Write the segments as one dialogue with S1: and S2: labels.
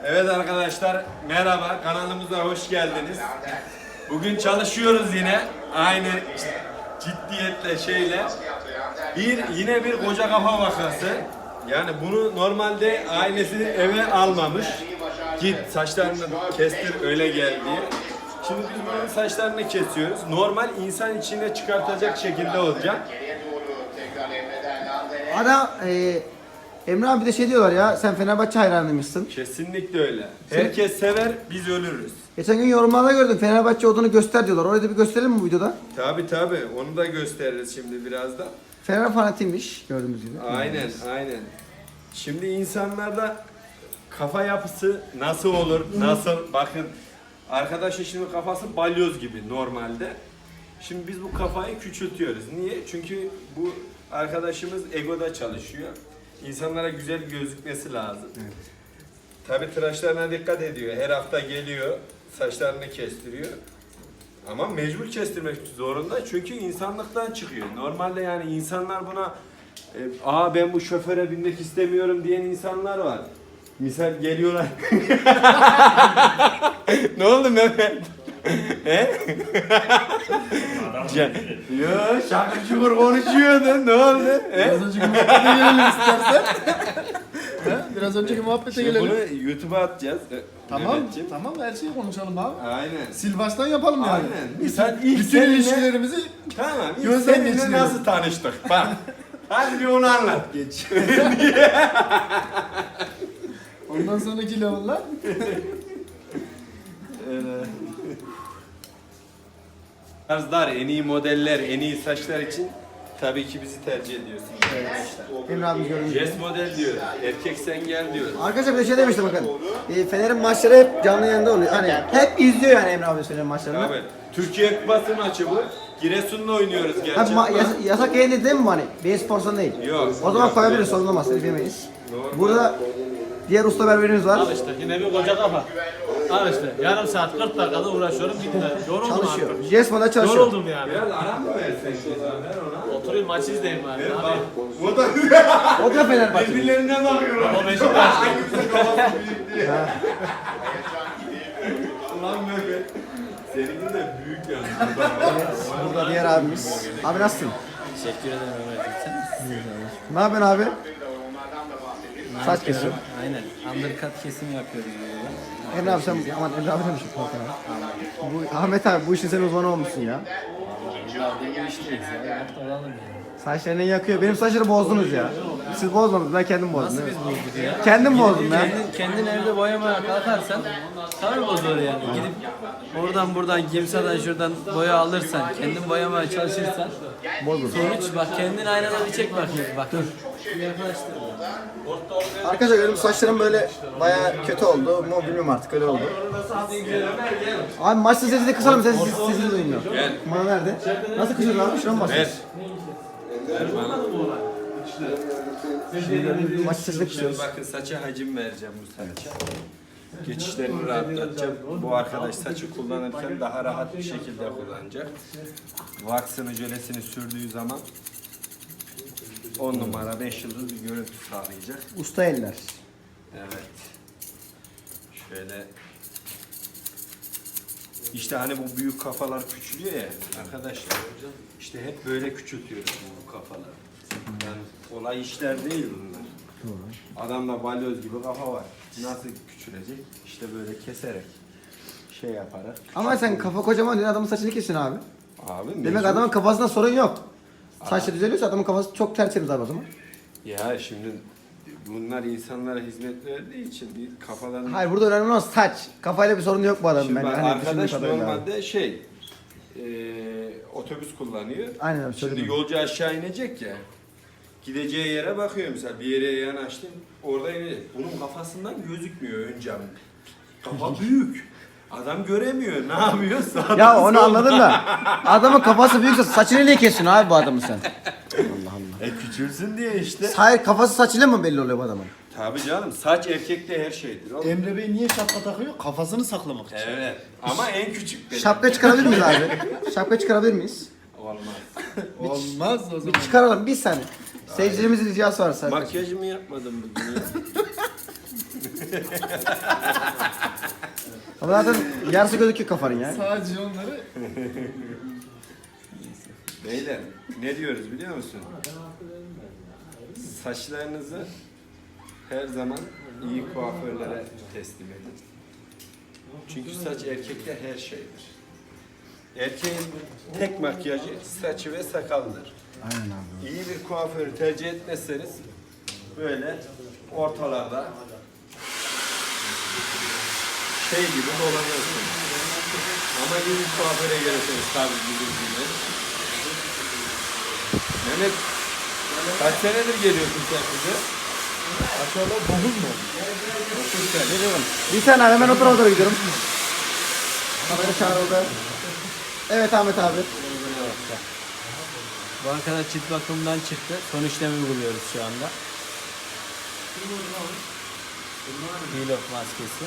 S1: Evet arkadaşlar, merhaba, kanalımıza hoş geldiniz. Bugün çalışıyoruz yine, aynı ciddiyetle yine bir koca kafa vakası. Yani bunu normalde ailesi eve almamış. Git saçlarını kestir öyle gel diye. Şimdi biz bunun saçlarını kesiyoruz. Normal insan içine çıkartacak şekilde olacak.
S2: Ana Emre abi de şey diyorlar ya, sen Fenerbahçe hayranıymışsın.
S1: Kesinlikle öyle. Herkes sever, biz ölürüz.
S2: Geçen gün yorumlarda gördüm, Fenerbahçe olduğunu göster diyorlar. Orayı da bir gösterelim mi bu videoda?
S1: Tabi onu da gösteririz şimdi birazdan.
S2: Fener fanatiymiş gördüğümüz gibi.
S1: Aynen. Şimdi insanlarda kafa yapısı nasıl olur, nasıl? Bakın arkadaşın şimdi kafası balyoz gibi normalde. Şimdi biz bu kafayı küçültüyoruz. Niye? Çünkü bu arkadaşımız egoda çalışıyor. İnsanlara güzel gözükmesi lazım. Evet. Tabi tıraşlarına dikkat ediyor. Her hafta geliyor, saçlarını kestiriyor. Ama mecbur kestirmek zorunda çünkü insanlıktan çıkıyor. Normalde yani insanlar buna ben bu şoföre binmek istemiyorum diyen insanlar var. Misal geliyorlar. Ne oldu Mehmet? He? Yo şakır şukur konuşuyordun. Ne oldu?
S2: Biraz önceki muhabbete gelelim istersen. Biraz önceki muhabbete gelelim.
S1: Bunu YouTube'a atacağız.
S2: Tamam her şeyi konuşalım abi.
S1: Aynen.
S2: Sil baştan yapalım yani.
S1: Aynen. Misal ilk
S2: Bütün
S1: seninle,
S2: ilişkilerimizi
S1: tamam. İlk
S2: gözden
S1: seninle
S2: geçirelim.
S1: nasıl tanıştık? Bak. Hadi bir onu anlat.
S2: geç. Ondan sonraki level'lar.
S1: Tarzlar, en iyi modeller, en iyi saçlar için tabii ki bizi tercih ediyorsunuz.
S2: Emre abi görünüyor.
S1: Jest model diyor, erkek sen gel diyor.
S2: Arkadaşlar bir de şey demişti bakın. Fener'in maçları hep canlı yayında oluyor. Hani hep izliyor yani Emre abi Fener'in maçlarını.
S1: Abi, Türkiye Kupası maçı bu. Giresun'la oynuyoruz
S2: Abi
S1: gerçekten.
S2: yasak yayın değil mi bu hani? Beyin Sports'tan değil.
S1: Yok.
S2: O zaman
S1: Yok,
S2: koyabiliriz,
S1: yok.
S2: sorun olmaz. Yapamayız.
S1: Normal.
S2: Burada diğer usta berberimiz var.
S3: Al işte yine bir koca kafa. Al işte yarım saat 40 dakikada uğraşıyorum bitti. Yoruldum
S2: Çalışıyor.
S3: artık.
S2: Jesmo'da çalışıyor.
S3: Yoruldum yani.
S1: Biraz ara mı versek ceza ver ona?
S3: Oturayım maç izleyeyim bari.
S1: Ver
S3: Abi.
S1: bak. O da
S2: O da Fenerbahçe.
S1: birbirlerine bakıyorlar.
S3: O Beşiktaş.
S1: Hangisi kafası büyük diye. Ulan Mehmet. Seninki de büyük yani.
S2: Burada diğer abimiz. Abi nasılsın?
S3: Teşekkür ederim Ömerciğim. Sen
S2: Ne yapıyorsun abi? Saç kesiyor.
S3: Aynen. Undercut kesim yapıyoruz burada.
S2: Emre abi sen, aman Emre abi demişim. Bu Ahmet abi bu işin sen uzmanı olmuşsun ya.
S3: Yıllardır bu işteyiz ya. Yaptı olalım yani.
S2: Saçlarını yakıyor. Benim saçları bozdunuz ya. Siz bozmadınız, ben kendim bozdum.
S3: Nasıl
S2: değil
S3: biz
S2: mi?
S3: bozduk ya?
S2: Kendim bozdum ya.
S3: Kendin evde boyamaya kalkarsan tabii bozulur yani. Gidip buradan kimseden şuradan boya alırsan, kendin boyamaya çalışırsan
S2: Bozulur.
S3: sonuç bak kendin aynada bir çek bakayım. Bak dur. Yaklaştır.
S2: Arkadaşlar benim saçlarım böyle bayağı kötü oldu. Mu bilmiyorum artık öyle oldu. Abi maçta sesi de kısalım, sesini duymuyor.
S1: Gel.
S2: Bana nerede? Nasıl kısıyorsun abi? Şuna mı
S1: Ver.
S2: basıyorsun?
S1: Ver bana.
S2: Şimdi maç sesini
S1: Şimdi
S2: kısıyoruz.
S1: bakın saça hacim vereceğim bu saça. Geçişlerini rahatlatacağım. Bu arkadaş saçı kullanırken daha rahat bir şekilde kullanacak. Vaksını, jölesini sürdüğü zaman 10 numara 5 yıldız bir görüntü sağlayacak.
S2: Usta eller.
S1: Evet. Şöyle. İşte hani bu büyük kafalar küçülüyor ya arkadaşlar. İşte hep böyle küçültüyoruz bu kafaları. Yani kolay işler değil bunlar. Adamda balyoz gibi kafa var. Nasıl küçülecek? İşte böyle keserek şey yaparak.
S2: Ama sen kafa kocaman diyorsun, adamın saçını kesin abi.
S1: Abi
S2: Demek
S1: mecbur.
S2: adamın kafasında sorun yok. Saçı düzeliyorsa adamın kafası çok tertemiz abi o zaman.
S1: Ya şimdi bunlar insanlara hizmet verdiği için bir kafalarını...
S2: Hayır, burada önemli olan saç. Kafayla bir sorun yok bu adamın
S1: Şimdi
S2: bence.
S1: bak,
S2: Hani
S1: arkadaş
S2: düşündüğü kadarıyla abi.
S1: normalde otobüs kullanıyor.
S2: Aynen öyle,
S1: Şimdi
S2: söyledim.
S1: yolcu aşağı inecek ya. Gideceği yere bakıyor mesela, bir yere yanaştın orada inecek. Bunun kafasından gözükmüyor ön cam. Kafa büyük. Adam göremiyor. Ne yapıyor? Sağda
S2: Ya onu
S1: solda.
S2: anladım da adamın kafası büyükse saçını niye kesiyorsun abi bu adamın sen? Allah Allah.
S1: Küçülsün diye işte.
S2: Hayır, kafası saçıyla mı belli oluyor bu adamın?
S1: Tabii canım, saç erkekte her şeydir. Oğlum.
S4: Emre Bey niye şapka takıyor? Kafasını saklamak için.
S1: Evet. Ama en küçük benim.
S2: Şapka çıkarabilir miyiz abi? Şapka çıkarabilir miyiz?
S1: Olmaz.
S4: Olmaz o zaman.
S2: Bir çıkaralım bir saniye. Seyircilerimizin ricası var sadece.
S1: Makyajımı yapmadım bugün ya.
S2: Ama zaten yarısı gözüküyor kafanın ya.
S4: Sadece onları
S1: Beyler ne diyoruz biliyor musun? Saçlarınızı her zaman iyi kuaförlere teslim edin. Çünkü saç erkekte her şeydir. Erkeğin tek makyajı saçı ve sakaldır.
S2: Aynen abi.
S1: İyi bir kuaförü tercih etmezseniz böyle ortalarda şey gibi dolanıyorsunuz. Ama iyi bir kuaföre gelirseniz tabii bizim gibi. Mehmet, kaç senedir geliyorsun sen bize?
S4: aşağıda 9 mu?
S2: Bir tane abi, hemen o tarafa doğru gidiyorum. Kamera çağrıldı. Evet Ahmet abi.
S3: Bu arkadaş cilt bakımından çıktı. Son işlemi uyguluyoruz şu anda. Peel off maskesi.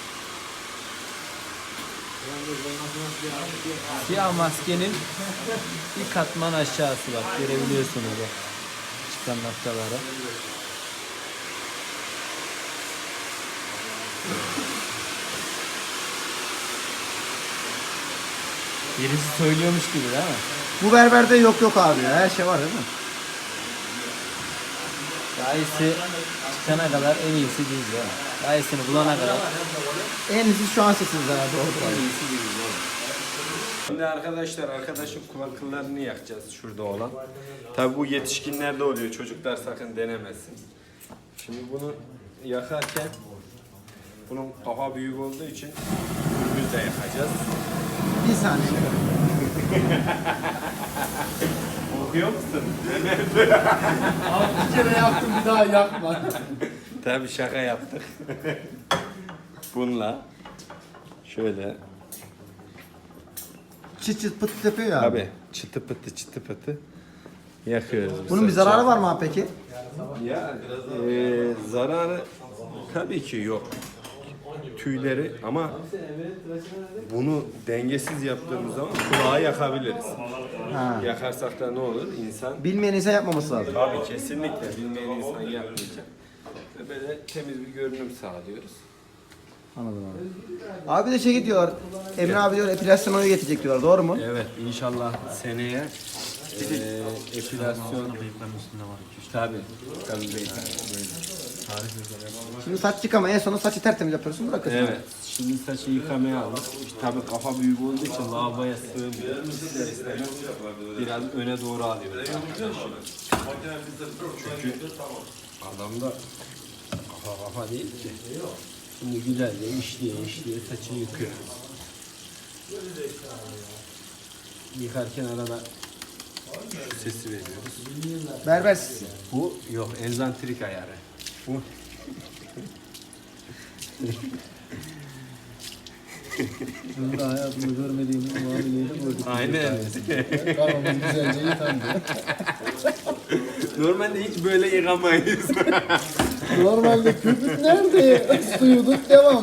S3: Siyah maskenin bir katman aşağısı bak, görebiliyorsunuz o çıkan noktaları. Birisi söylüyormuş gibi değil mi?
S2: Bu berberde yok abi ya. Her şey var değil mi?
S3: Daha iyisi çıkana kadar en iyisi değil ya. Daha iyisini bulana kadar
S2: En iyisi şu an sesiniz abi. Doğru.
S3: en iyisi değil ya.
S1: Şimdi arkadaşlar arkadaşın kulak kıllarını yakacağız şurada olan. Tabi bu yetişkinlerde oluyor. Çocuklar sakın denemesin. Şimdi bunu yakarken bunun kafa büyük olduğu için biz de yakacağız.
S2: Bir saniye.
S1: Okuyor musun?
S4: Abi bir kere yaptım bir daha yapma.
S1: Tabi şaka yaptık. Bununla şöyle
S2: Çıt çıt pıt yapıyor ya.
S1: abi çıtı pıtı yakıyoruz. bu
S2: Bunun bir
S1: saçı.
S2: zararı var mı abi peki?
S1: Ya zararı tabii ki yok. Tüyleri ama bunu dengesiz yaptığımız zaman kulağı yakabiliriz.
S2: Ha.
S1: Yakarsak da ne olur? İnsan
S2: Bilmeyen insan yapmaması lazım.
S1: tabii kesinlikle bilmeyen insan yapmayacak. Ve böyle temiz bir görünüm sağlıyoruz.
S2: Anladım abi. Abi de şey diyorlar. Emre abi diyor epilasyon oyu getirecek diyorlar. Doğru mu?
S1: Evet inşallah seneye epilasyon tabii beyefendi böyle.
S2: Şimdi saç yıkama en sonu saçı tertemiz yapıyorsun bırakıyorsun.
S1: Evet. Şimdi saçı yıkamaya aldık. Tabii kafa büyük olduğu için lavaboya sığmıyor. İster istemez biraz öne doğru alıyoruz. Çünkü adamda kafa değil ki. Şimdi güzelce işliye saçını yıkıyor. Yıkarken arada şu sesi veriyoruz.
S2: Berber sesi.
S1: Bu yok enzantrik ayarı. Bu
S4: Burada hayatımda görmediğim muameleyi gördük.
S1: aynen.
S4: Kafamız güzelce yıkandı.
S1: Normalde hiç böyle yıkamayız.
S4: Normalde köpük nerede? Suyuduk devam.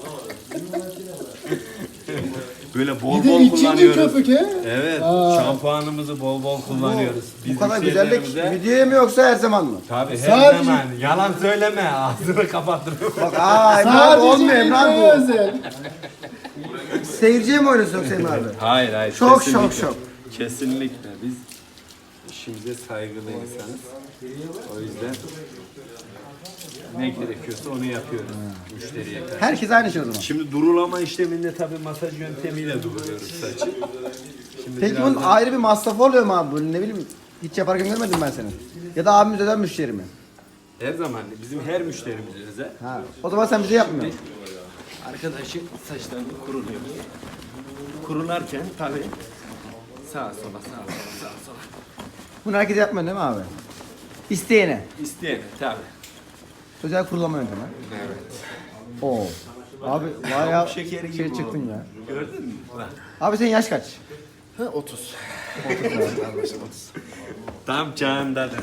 S1: Böyle bol
S4: Bir de
S1: bol
S4: ikinci
S1: kullanıyoruz.
S4: köpük he?
S1: Evet,
S4: Aa.
S1: şampuanımızı bol bol kullanıyoruz.
S2: Bu kadar güzellik
S1: müşterilerimize-
S2: videoya mı yoksa her zaman mı?
S1: Tabii her
S4: Sadece-
S1: zaman. Yalan söyleme, ağzını kapattırma.
S2: Bak Emre abi olmuyor Emre abi
S4: Emre'ye
S2: bu.
S4: özel.
S2: Seyirciye mi oynuyorsun yoksa Emre abi?
S1: Hayır,
S2: Şok,
S1: kesinlikle.
S2: şok, şok.
S1: Kesinlikle. Biz işimize saygılı insanız. O yüzden ne gerekiyorsa onu yapıyoruz müşteriye karşı.
S2: Herkes aynı şey o zaman.
S1: Şimdi durulama işleminde tabii masaj yöntemiyle duruluyoruz saçı. Şimdi
S2: Peki
S1: birazdan-
S2: bunun ayrı bir masrafı oluyor mu abi? Böyle ne bileyim hiç yaparken görmedim ben seni. Ya da abimiz öden müşteri mi?
S1: her zaman bizim her müşterimize özel.
S2: Ha. O zaman sen bize yapmıyorsun.
S1: Arkadaşın saçlarını kuruluyor. Kurularken tabii sağa sola.
S2: Bunu herkes yapmıyor değil mi abi? İsteyene.
S1: İsteyen tabii.
S2: Özel kurulama yöntemi.
S1: Evet.
S2: Oo. Abi bayağı
S1: Şekeri gibi
S2: şey
S1: oldu.
S2: çıktın ya.
S1: Gördün mü? Bak.
S2: Abi senin yaş kaç?
S4: 30.
S1: Tam çağındadır.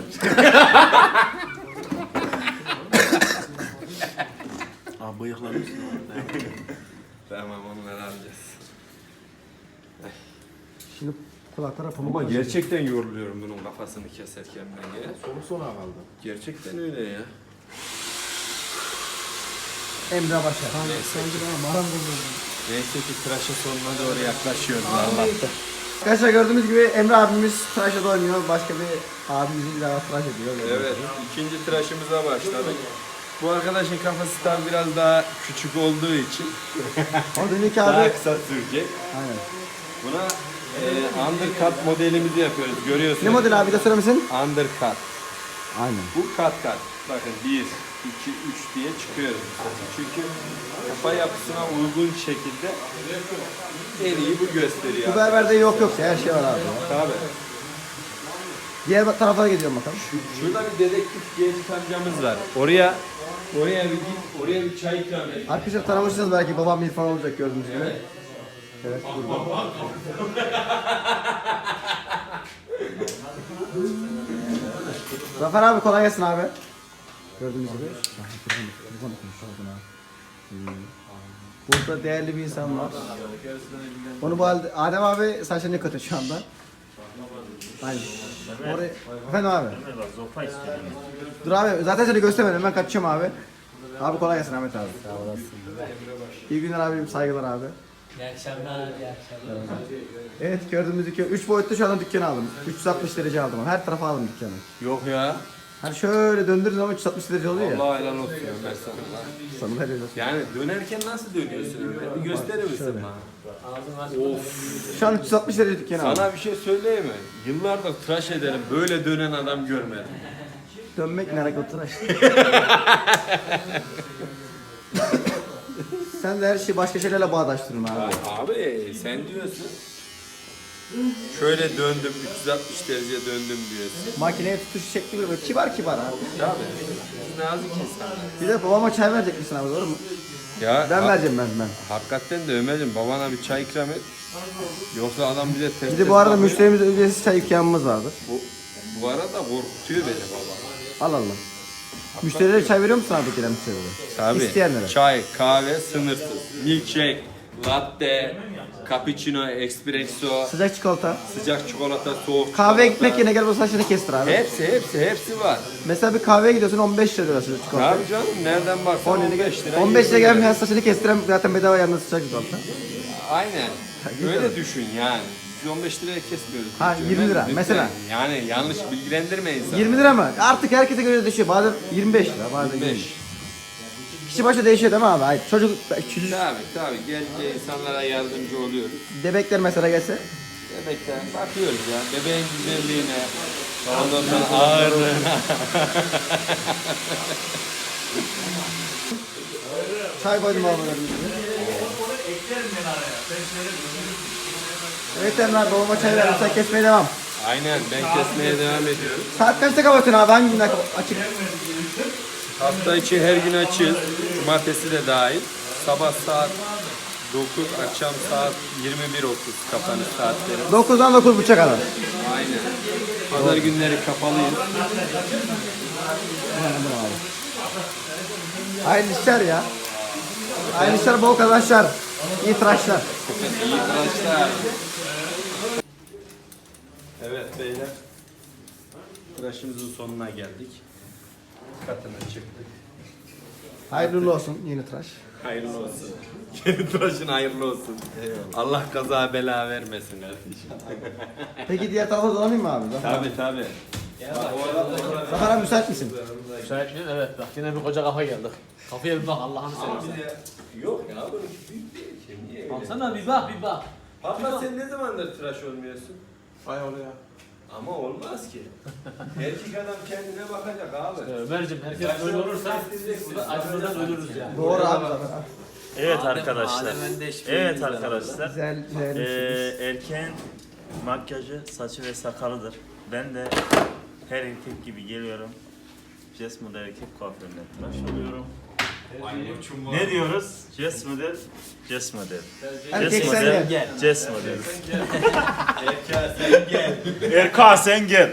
S4: Abi bıyıklarım.
S1: Tamam onları alacağız.
S2: Şimdi kulaklara pamuk.
S1: Ama gerçekten yoruluyorum bunun kafasını keserken ben ya.
S4: Sonu sona kaldı.
S1: Gerçekten öyle ya.
S2: Emre Başar.
S1: Neyse ki tıraşın sonuna doğru yaklaşıyoruz Allah'ta.
S2: Arkadaşlar gördüğünüz gibi Emre abimiz tıraşa da oynuyor. Başka bir abimizin daha tıraş ediyor.
S1: Evet, ikinci tıraşımıza başladık. Bu arkadaşın kafası tabi biraz daha küçük olduğu için
S2: O demek ki
S1: daha
S2: abi.
S1: kısa sürecek.
S2: Aynen.
S1: Buna undercut modelimizi yapıyoruz. Görüyorsunuz.
S2: Ne model abi de söyler misin?
S1: Undercut.
S2: Aynen.
S1: Bu kat. Bakın 1, 2, 3 diye çıkıyoruz. Çünkü kafa yapısına uygun şekilde en iyi bu gösteriyor.
S2: Bu berberde yok her şey var abi.
S1: Tabii.
S2: Diğer tarafa gidiyorum bakalım.
S1: Şurada bir dedektif genç amcamız var. Oraya bir git, oraya bir çay ikram et.
S2: Arkadaşlar tanımışsınız belki babam İrfan olacak gördüğünüz gibi. Evet burada. Zafer abi kolay gelsin abi. Gördüğünüz gibi. Burada değerli bir insan var. Onu bu halde Adem abi saçlarını kötü şu anda. Aynen. Oraya... Efendim abi. Dur abi zaten seni göstermedim ben kaçacağım abi. Abi kolay gelsin Ahmet abi. Sağ olasın. İyi günler abim saygılar abi.
S3: İyi akşamlar, iyi akşamlar.
S2: Evet gördüğümüz dükkan 3 boyutlu şu anda dükkanı aldım. 360 derece aldım. Her tarafa aldım dükkanı.
S1: Yok ya.
S2: Hani şöyle döndürdüğün zaman 360 derece oluyor ya.
S1: Allah helal olsun Ömer sana.
S2: Sana helal olsun.
S1: Yani dönerken nasıl dönüyorsun Ömer? Bir gösterir misin bana? Of.
S2: Şu an 360 derece dükkanı aldım.
S1: Sana bir şey söyleyeyim mi? Yıllardır tıraş ederim. Böyle dönen adam görmedim.
S2: Dönmek ne alakalı tıraş? Sen de her şeyi başka şeylerle bağdaştırıyorsun abi.
S1: Abi sen diyorsun. Şöyle döndüm 360 derece döndüm diyorsun.
S2: Makineye tutuş şekli böyle kibar kibar abi.
S1: Tabii. Biz nazik insanlar.
S2: Bir de babama çay verecek misin abi doğru mu?
S1: Ya
S2: Ben vereceğim ben.
S1: hakikaten de Ömer'cim babana bir çay ikram et. Yoksa adam bize ters
S2: Bir de bu arada müşterimize ücretsiz çay ikramımız vardır.
S1: Bu arada korkutuyor beni baba.
S2: Al Allah. Müşterilere çay veriyor musun abi gelen müşterilere?
S1: Tabii.
S2: İsteyenlere.
S1: Çay, kahve sınırsız. Milkshake, latte, cappuccino, espresso,
S2: Sıcak çikolata.
S1: sıcak çikolata, soğuk
S2: Kahveye
S1: çikolata.
S2: gitmek yerine gel bu saçını kestir abi.
S1: Hepsi var.
S2: Mesela bir kahveye gidiyorsun 15 lira sıcak çikolata.
S1: Abi canım nereden baksan 15 lira.
S2: 15 lira
S1: 20 lira.
S2: gelmeyen saçını kestiren zaten bedava yanında sıcak çikolata.
S1: Aynen. Böyle düşün yani. Biz 15 liraya kesmiyoruz.
S2: Ha,
S1: Hiç
S2: 20 lira
S1: lütfen.
S2: mesela.
S1: Yani yanlış bilgilendirme insanı.
S2: 20 lira mı? Artık herkese göre değişiyor. Bazen 25 lira, bazen 20.
S1: 25.
S2: Kişi başı değişiyor değil mi abi? Hayır. Çocuk
S1: Tabii gelince insanlara yardımcı oluyoruz.
S2: bebekler mesela gelse.
S1: Bebekten bakıyoruz ya. Bebeğin güzelliğine, ondan sonra ağırlığına.
S2: Çay koydum abi. Evet Emre babama çay ver. Sen kesmeye devam.
S1: Aynen ben kesmeye devam ediyorum.
S2: Saat kaçta kapatıyorsun abi? Hangi günler açık?
S1: Hafta içi her gün açığız. Cumartesi de dahil. Sabah saat 9, akşam saat 21.30 kapanış saatleri.
S2: 9'dan 9.30'a kadar.
S1: Aynen. Pazar günleri kapalıyız.
S2: Hayırlı işler ya. Hayırlı işler, bol kazançlar. İyi tıraşlar.
S1: İyi tıraşlar. Evet beyler. Tıraşımızın sonuna geldik. Katına çıktık.
S2: Hayırlı uğurlu olsun yeni tıraş.
S1: Hayırlı olsun. Yeni tıraşın hayırlı olsun. Allah kaza bela vermesin kardeşim.
S2: Peki diğer tarafa dolanayım mı abi?
S1: Tabii.
S2: Zafer abi müsait misin?
S4: Müsait miyiz? Evet bak yine bir koca kafa geldik. Kafaya bir bak Allah'ını seversen.
S1: Yok ya böyle büyük değil ki. Niye?
S3: Baksana bir bak.
S1: Hatta sen ne zamandır tıraş olmuyorsun?
S4: Vay oraya.
S1: Ama olmaz ki. Erkek adam kendine bakacak abi.
S4: Ömer'cim herkes böyle olursa burada acımızdan ölürüz yani.
S2: Doğru abi Zafer abi.
S5: Evet
S3: Adem
S5: arkadaşlar.
S3: Öndeş
S5: Evet
S3: bir
S5: arkadaşlar.
S2: Güzel
S5: Erkeğin makyajı, saçı ve sakalıdır. Ben de her erkek gibi geliyorum. Jess model erkek kuaförüne tıraş oluyorum. Ne diyoruz? Jess model, Jess model.
S2: Erkek
S5: Jess
S2: sen
S5: model,
S2: gel.
S5: Jess model.
S1: Sen gel.
S5: Erka sen gel.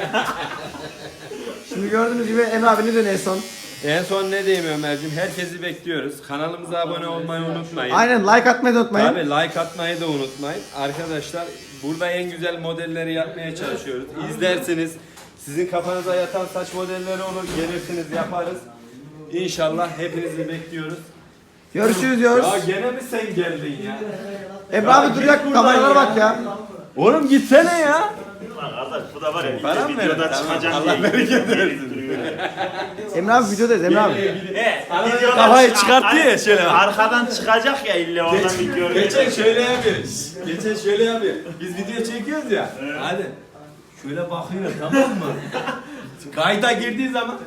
S2: Şimdi gördüğünüz gibi Emre abi ne dönüyor en son?
S1: En son ne diyeyim Ömerciğim? Herkesi bekliyoruz. Kanalımıza abone olmayı unutmayın.
S2: Aynen like atmayı da unutmayın.
S1: Tabii like atmayı da unutmayın. Arkadaşlar burada en güzel modelleri yapmaya çalışıyoruz. İzlersiniz. Sizin kafanıza yatan saç modelleri olur. Gelirsiniz yaparız. İnşallah hepinizi bekliyoruz.
S2: Görüşürüz diyoruz.
S1: Ya gene mi sen geldin ya?
S2: Emre abi dur ya kameralara bak ya.
S1: Oğlum gitsene ya.
S5: Lan kardeş bu da var ya
S1: Para mı
S5: videoda
S1: verin?
S5: çıkacağım
S1: Allah
S5: diye
S1: bereket
S5: gelip duruyor.
S2: Emre abi videodayız Emre abi.
S5: Videoda
S1: Kafayı çıkarttı ya şöyle.
S5: Arkadan çıkacak ya ille oradan bir görüntü.
S1: Geçen şöyle yapıyoruz. Geçen şöyle yapıyor. Biz video çekiyoruz ya. Hadi. Şöyle bakıyor tamam mı? Kayda girdiği zaman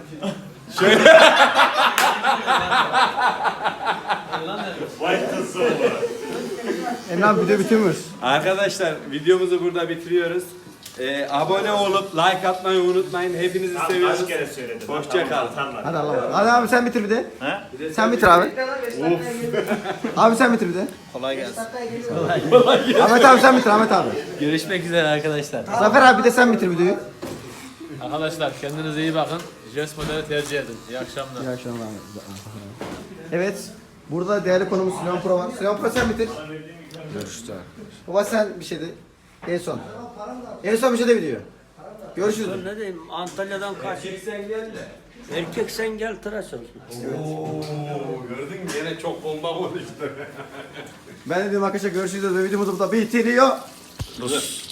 S5: Vay kızım.
S2: Emre abi video bitirmiyoruz.
S1: arkadaşlar videomuzu burada bitiriyoruz. Abone olup like atmayı unutmayın. Hepinizi seviyoruz.
S5: Kaç kere söyledim.
S1: Hoşça kalın.
S2: Hadi Allah'a. Hadi abi sen bitir bir de.
S5: Ha?
S2: Sen bitir abi. Abi sen bitir bir de.
S3: Kolay gelsin.
S2: Ahmet abi sen bitir Ahmet abi.
S3: Görüşmek üzere arkadaşlar.
S2: Zafer abi bir de sen bitir videoyu.
S4: Arkadaşlar kendinize iyi bakın. Jest modeli tercih edin. İyi akşamlar.
S2: İyi akşamlar Ahmet. Evet. Burada değerli konumuz Süleyman Pro var. Süleyman Pro sen bitir.
S1: Görüşürüz.
S2: Baba sen bir şey de. En son. En son bir şey de video. Görüşürüz.
S6: Ne diyeyim Antalya'dan kaç. Erkek sen gel tıraş ol.
S1: Oo, gördün mü? Yine çok bomba konuştu.
S2: Ben de diyorum arkadaşlar görüşürüz ve videomuzu burada bitiriyor.